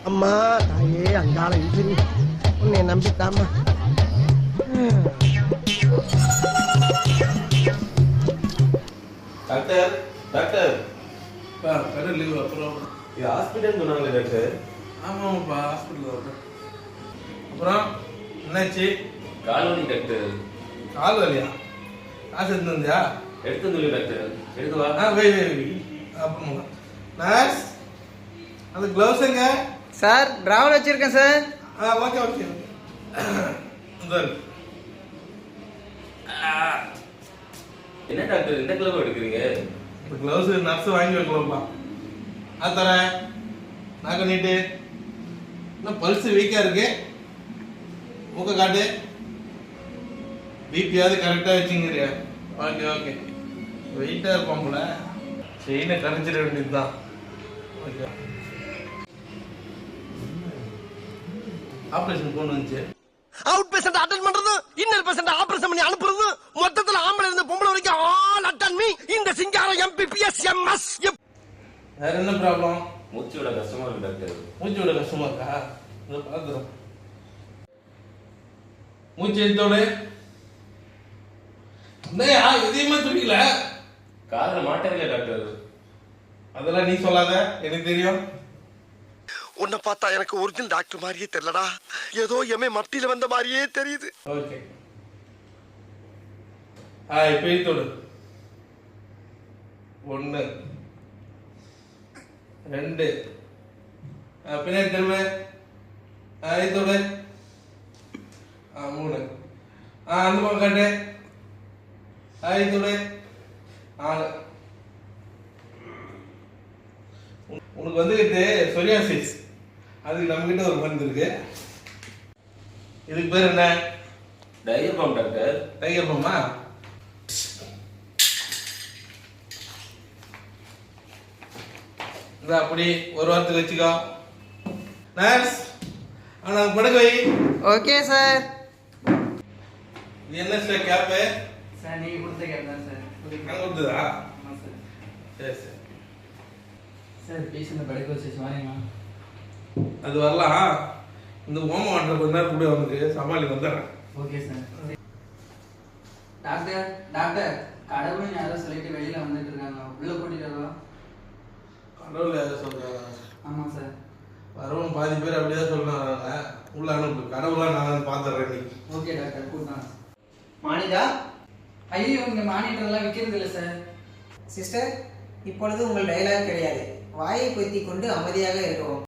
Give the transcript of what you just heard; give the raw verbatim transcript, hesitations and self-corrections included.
அம்மா தாயே அங்கால இன்ஜினி உன்னை நம்பித்தாமா. டாக்டர் டாக்டர் கடை லீவ் அப்புறம் இது ஹாஸ்பிட்டல் சொன்னாங்களே டாக்டர். ஆமாம்ப்பா ஹாஸ்பிட்டல் டாக்டர். அப்புறம் என்னாச்சு? கால் வலி டாக்டர். கால் வலியா? காசு எடுத்து வந்தியா? எடுத்து சொல்லி டாக்டர். எடுத்து வா. ஆ வை வை வை அப்புறமா நர்ஸ் அந்த க்ளவுஸ் எங்க? சார் டிராவல் வச்சிருக்கேன் சார். ஆ ஓகே ஓகே சார். என்ன டாக்டர் இந்த கிளப் எடுக்கிறீங்க? இந்த க்ளவுஸ் நர்ஸ் வாங்கி வைக்கலாம்ப்பா. ஆ தரேன். நாக்க நீட்டு. இன்னும் பல்ஸ் வீக்காக இருக்கு. மூக்க காட்டு. பிபியாவது கரெக்டாக வச்சுங்கிறியா? Okay okay. வெயிட்டாக இருப்பான் போல. செயினை கரைஞ்சிட வேண்டியது தான். ஓகே. ஆப்ரேஷன் போன் வந்துச்சு. அவுட் பேஷண்ட் அட்டென்ட் பண்றது, இன்னர் பேஷண்ட் ஆபரேஷன் பண்ணி அனுப்புறது, மொத்தத்துல ஆம்பளை இருந்து பொம்பளை வரைக்கும் ஆல் அட்டன் மீ இந்த சிங்காரம் எம்பிபிஎஸ் எம்எஸ். வேற என்ன ப்ராப்ளம்? மூச்சு விட கஷ்டமா இருக்கு டாக்டர். மூச்சு விட கஷ்டமா இருக்கா? இதை பார்த்துறோம். மூச்சு எடுத்தோடு என்னையா எதையுமே துடிக்கல? காதுல மாட்டவில்லை டாக்டர். அதெல்லாம் நீ சொல்லாத, எனக்கு தெரியும். உன்னை பார்த்தா எனக்கு ஒரிஜினல் டாக்டர் மாதிரியே தெரியலடா, ஏதோ எமே மத்தியில வந்த மாதிரியே தெரியுது. ஓகே. ஆ இப்போ எடுத்தோடு. ஒன்று ரெண்டு பின்னாடி திரும்ப. ஆ எடுத்தோடு. ஆ மூணு. ஆ அந்த பக்கம் காட்டு. ஆ எடுத்தோடு. நாலு. உனக்கு வந்துக்கிட்டு சொரியாசிஸ், அதுக்கு நம்ம கிட்ட ஒரு மருந்து இருக்கு. இதுக்கு பேர் என்ன? Tiger balm doctor. டைகர் பாமா? இந்த அப்படி ஒரு வாரத்துக்கு வச்சுக்கோ. நர்ஸ் ஆனா படுக்க வை. Okay sir. இது என்ன சார் கேப்பு? சார் நீங்க கொடுத்த கேப் தான் சார். நான் கொடுத்ததா? ஆமாம் சார். சரி சரி. சார் பேஷண்ட் படுக்க வச்சு வரீங்களா? அது வரலாம். இந்த ஓம வாட்டர் கொஞ்ச நேரம் கூட அவனுக்கு சமாளி வந்துடுறேன். Okay sir. டாக்டர் டாக்டர் கடவுள்னு யாரோ சொல்லிட்டு வெளியில வந்துட்டு இருக்காங்க, உள்ள கூட்டிட்டு வரலாம்? கடவுள் யாரும் சொல்றாங்க? ஆமாம் சார். வரவன் பாதி பேர் அப்படிதான் சொல்றாங்க. உள்ள அனுப்பு. கடவுளா நான் பாத்துறேன் நீ. ஓகே டாக்டர் கூட்டான். மானிடா? ஐயோ இங்க மானிட்டர் எல்லாம் விற்கிறது இல்லை சார். சிஸ்டர், இப்பொழுது உங்கள் டயலாக் கிடையாது. வாயை பொத்தி கொண்டு அமைதியாக இருக்கவும்.